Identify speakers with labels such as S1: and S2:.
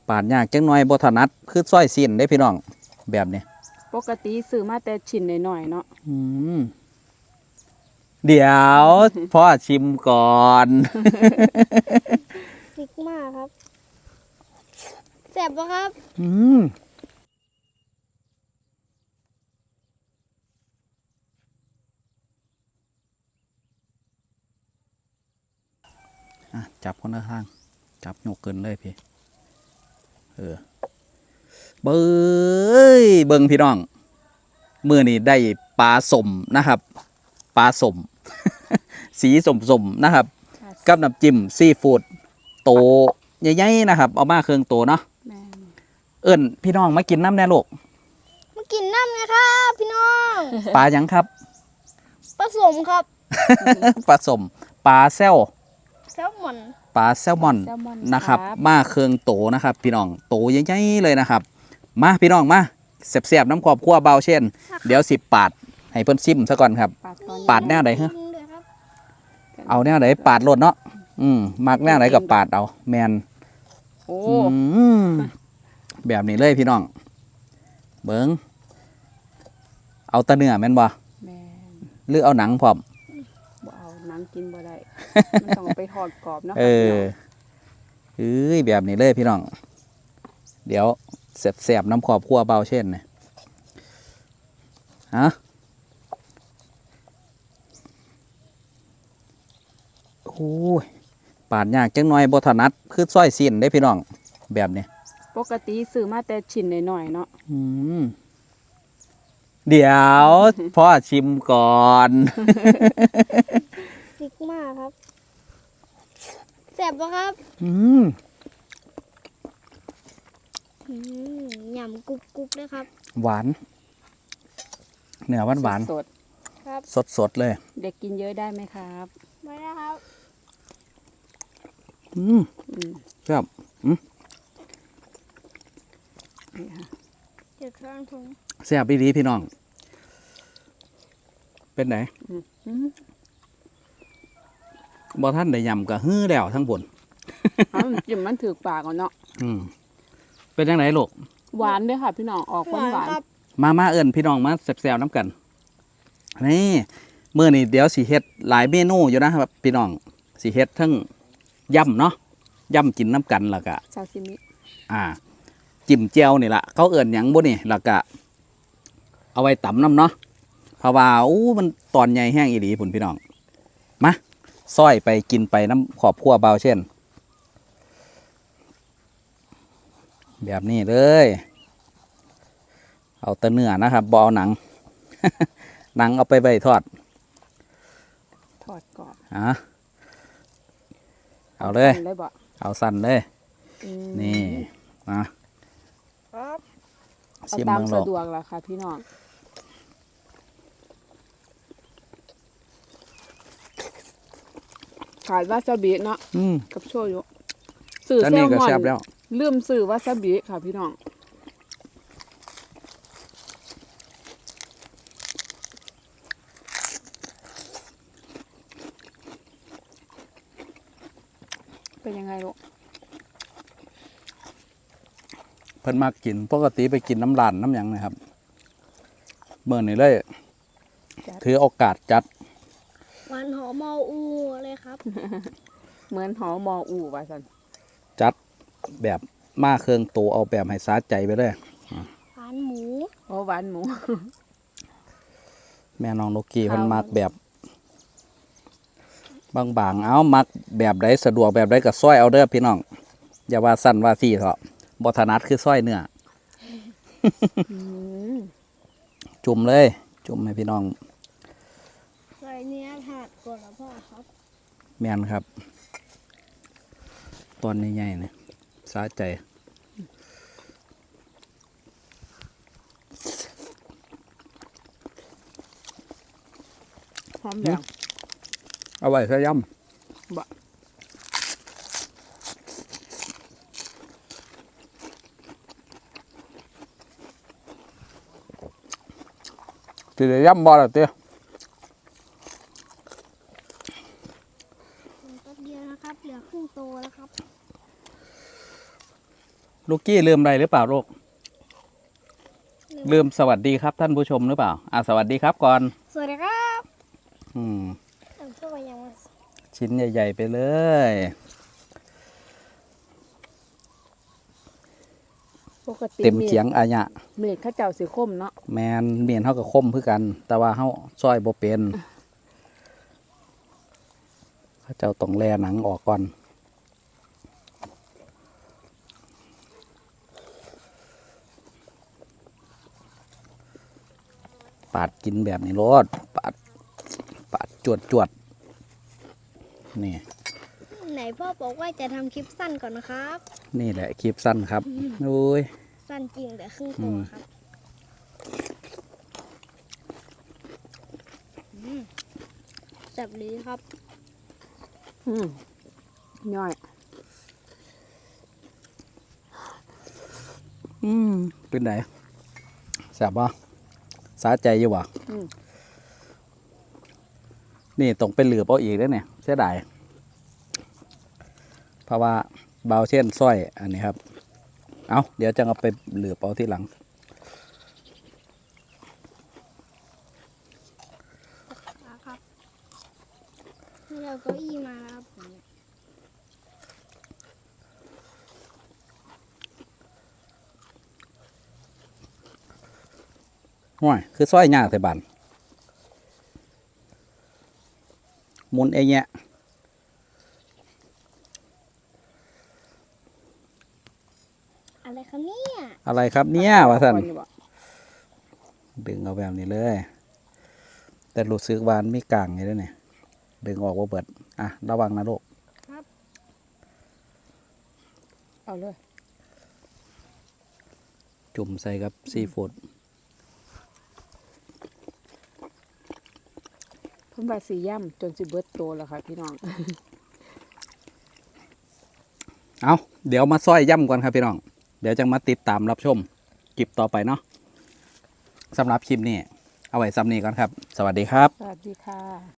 S1: ปาดยากจังหน่อยบ่ถนัดคือซอยสิ้นได้พี่น้องแบบนี้
S2: ปกติซื้อมาแต่ชิ้นหน่อยๆเนาะ
S1: เดี๋ยวพ่อชิมก่อน
S3: ซิกมาครับแสบปะครับ
S1: จับคนละข้างจับยกเกินเลยพี่เบิ่งพี่น้องมื้อนี้ได้ปลาสมนะครับปลาสม สีสมนะครับกับน้ำจิ้มซีฟู้ดโตใหญ่ๆนะครับเอามาเครื่องโตเนาะเอิ้นพี่น้องมากินน้ำแน่ลูก
S3: มากินน้ำนะครับพี่น้อง
S1: ปลาหยังครับ
S3: ผสมครับ
S1: ผสมปลาแซล
S3: มอน
S1: ปลาแซลมอนนะครับมาเครื่องโตนะครับพี่น้องโตใหญ่ๆเลยนะครับมาพี่น้องมาแซ่บๆน้ำขอบคั่วเบาเช่นเดี๋ยว10 ปาดให้เพิ่นซิมซะก่อนครับปาดแนวไหนฮะเอาแนวไหนปาดรถเนาะมักแนวไหนกับปาดเอาแมนแบบนี้เลยพี่น้องเบิ้งเอาตะเนื้อแม่นบ่หรือเอาหนังพร้อม
S2: บ่เอาหนังกินบ่ได้มันต้องไปทอดกรอบเนาะ
S1: แบบนี้เลยพี่น้องเดี๋ยวแสบน้ำขอบคั่วเบาเช่นนะฮะโอ้ยปาดยากจังหน่อยบ่ถนัดคือซอยสิ้นได้พี่น้องแบบนี้
S2: ปกติซื้อมาแต่ชิ้นหน่อยๆเนาะ
S1: เดี๋ยวพ่อชิมก่อน
S3: ซิกมาครับแสบปะครับหยำกรุบเลยครับ
S1: หวานเนื้อหวาน
S2: สด
S3: ครับ
S1: สดเลย
S2: เด็กกินเยอะได้ไหมครับ
S3: ไม่ได้ครับ
S1: ครับ
S3: เจ็บท้องผม
S1: แซ่บดีพี่น้องเป็นไหนบ่ท่านได้ยำกับฮื้อแล้วทั้งผล
S2: จิ้มมันถือปากก่อนเนาะ
S1: เป็นยังไงลูก
S2: หวานด้วยค่ะพี่น้องออกหวาน
S1: มาเอิญพี่น้องมาแซ่บๆน้ำกันนี่มื้อนี้เดี๋ยวสิเฮ็ดหลายเมนูอยู่นะครับพี่น้องสิเฮ็ดทั้งยำเนาะยำกินน้ำกันแล้วก็
S2: ซาซิมิ
S1: จิ้มเจียวนี่แหละเขาเอิญหยังบ่นี่แล้วก็เอาไว้ตำน้ำเนาะเพราะว่ามันตอนใหญ่แห้งอีหลีพุ่นพี่น้องมาซอยไปกินไปน้ำขอบคั่วเบาเช่นแบบนี้เลยเอาแต่เนื้อนะครับบ่เอาหนัง หนังเอาไปใบทอด
S2: ก่อน
S1: เอาเลยเอาสั่นเลยนี่
S2: นะครับเอาตามสะดวกละค่ะพี่น้องขาดวาซาบิเนาะกับโชยุสื่อแซลมอนลืมสื่อวาซาบิค่ะพี่น้องเป็นยังไงลูก
S1: เพิ่นมากินปกติไปกินน้ำร้านน้ำหยังนะครับเมื่อนี่เลยถือโอกาสจัด
S3: หวานหอมมออูเลยครับ
S2: เหมือนหอมออูว่าสัน
S1: จัดแบบมาเครื่องโตเอาแบบให้สาใจไปเลย
S3: หวานหมู
S2: หวานหมู
S1: แม่น้องนกกี้เพิ่นมักแบบบางๆเอามักแบบใดสะดวกแบบใดก็ซอยเอาเด้อพี่น้องอย่าว่าสั้นว่าซี่เถอะบ่ถนัดคือซอยเนื้อจุ่มเลยจุ่มให้พี่น้อง
S3: ซอยเนื้อผัดก่อนแล้วพ่อครับ
S1: แม่นครับตอนใหญ่ๆเนี่ยสาใจ
S2: หอมแดง
S1: เอาไว้ใส่ยำสิได้ย่ำบ่ล่ะเตี้ย
S3: แป๊บเดียวนะครับเหลือครึ่งโตแล้วครับ
S1: ลูกกี้ลืมอะไรหรือเปล่าลูกลืมสวัสดีครับท่านผู้ชมหรือเปล่าสวัสดีครับก่อน
S3: สวัสดีครับ
S1: อืม
S3: ช่วยยังไง
S1: ชิ้นใหญ่ๆไปเลย
S2: ปกติ
S1: เต็มเขียงอาญะ
S2: เมฆข้าเจ้าสีคมเนาะ
S1: แมนเมียนเฮากับคมคือกัน แต่ว่าเฮาซอยบ่เป็นเขาเจ้าต้องแล่หนังออกก่อนปาดกินแบบนี้รสปาดจวดนี่
S3: ไหนพ่อบอกว่าจะทำคลิปสั้นก่อนนะครับ
S1: นี่แหละคลิปสั้นครับโอ้ย
S3: สั้นจริงแต่ครึ่งตัวครับจับลีครับ
S2: ย่อย
S1: เป็นไหนแซ่บบ่สาใจอยู่บ่นี่ต้องเป็นเหลือบเอาอีกแล้วเนี่ยเสียดายเพราะว่าเบาเช่นสร้อยอันนี้ครับเอาเดี๋ยวจะเอาไปเหลือบเอาที่หลัง
S3: ครับให้เราเก้าอี้มาครับ
S1: ห้วยคือสร้อยยากแต่บันหมุนเองเนี่ย
S3: อะไรครับเนี่ย
S1: อะไรครับเนี่ยว่าสัน
S2: ก่ออยู่บ่
S1: ดึงเอาแบบนี้เลย แต่รู้สึกวามันมีกลางอยู่ด้วยเนี่ยดึงออกว่าเบิดระวังนะลูก
S2: เอาเลย
S1: จุ่มใส่กับซีฟู้ด
S2: เพิ่นว่าสีย่ำจนสิเบิดโตแล้วค่ะพี่น้อง
S1: เอาเดี๋ยวมาซอยย่ำก่อนครับพี่น้อง เดี๋ยวจะมาติดตามรับชมคลิปต่อไปเนาะสำหรับคลิปนี้เอาไว้ซ้ำนี้ก่อนครับ สวัสดีครับ
S2: สวัสดีค่ะ